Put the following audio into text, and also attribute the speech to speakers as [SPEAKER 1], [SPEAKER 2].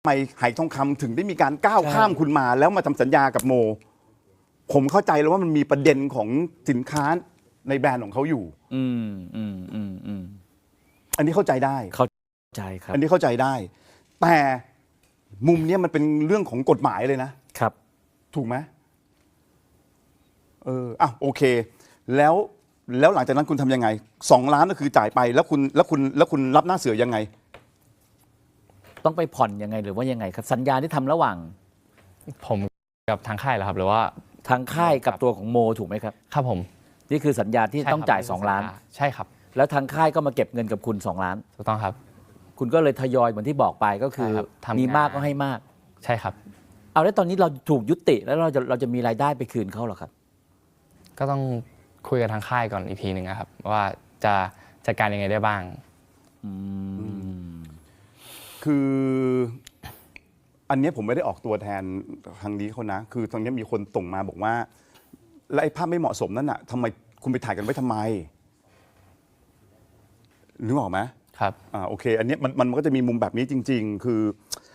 [SPEAKER 1] ทำไมไหทองคำถึงได้มีการก้าวข้ามคุณมาแล้วมาทำสัญญากับโมผมเข้าใจแล้วว่ามันมีประเด็นของสินค้าในแบรนด์ของเขาอยู่อันนี้เข้าใจได้
[SPEAKER 2] เข้าใจครับ
[SPEAKER 1] อันนี้เข้าใจได้แต่มุมนี้มันเป็นเรื่องของกฎหมายเลยนะครับถูกไหมโอเคแล้วหลังจากนั้นคุณทำยังไง2 ล้านก็คือจ่ายไปแล้วคุณรับหน้าเสือยังไง
[SPEAKER 2] ต้องไปผ่อนยังไงหรือว่ายังไงครับสัญญาที่ทำระหว่าง
[SPEAKER 3] ผมกับทางค่ายเหรอครับหรือว่า
[SPEAKER 2] ทางค่ายกับตัวของโมถูกไหมครับ
[SPEAKER 3] ครับผม
[SPEAKER 2] นี่คือสัญญาที่ต้องจ่าย2 ล้าน
[SPEAKER 3] ใช่ครับ
[SPEAKER 2] แล้วทางค่ายก็มาเก็บเงินกับคุณ2 ล้าน
[SPEAKER 3] ถูกต้องครับ
[SPEAKER 2] คุณก็เลยทยอยเหมือนที่บอกไปก็คือมีมากก็ให้มาก
[SPEAKER 3] ใช่ครับ
[SPEAKER 2] เอาแล้วตอนนี้เราถูกยุติแล้วเราจะมีรายได้ไปคืนเขาหรอครับ
[SPEAKER 3] ก็ต้องคุยกับทางค่ายก่อนอีกทีหนึ่งครับว่าจะจัดการยังไงได้บ้าง
[SPEAKER 1] คืออันนี้ผมไม่ได้ออกตัวแทนทางนี้เขานะคือตอนนี้มีคนส่งมาบอกว่าแล้วไอ้ภาพไม่เหมาะสมนั่นน่ะทำไมคุณไปถ่ายกันไว้ทำไมนึกออกไหม
[SPEAKER 3] ครับ
[SPEAKER 1] โอเคอันนี้มันก็จะมีมุมแบบนี้จริงๆคือ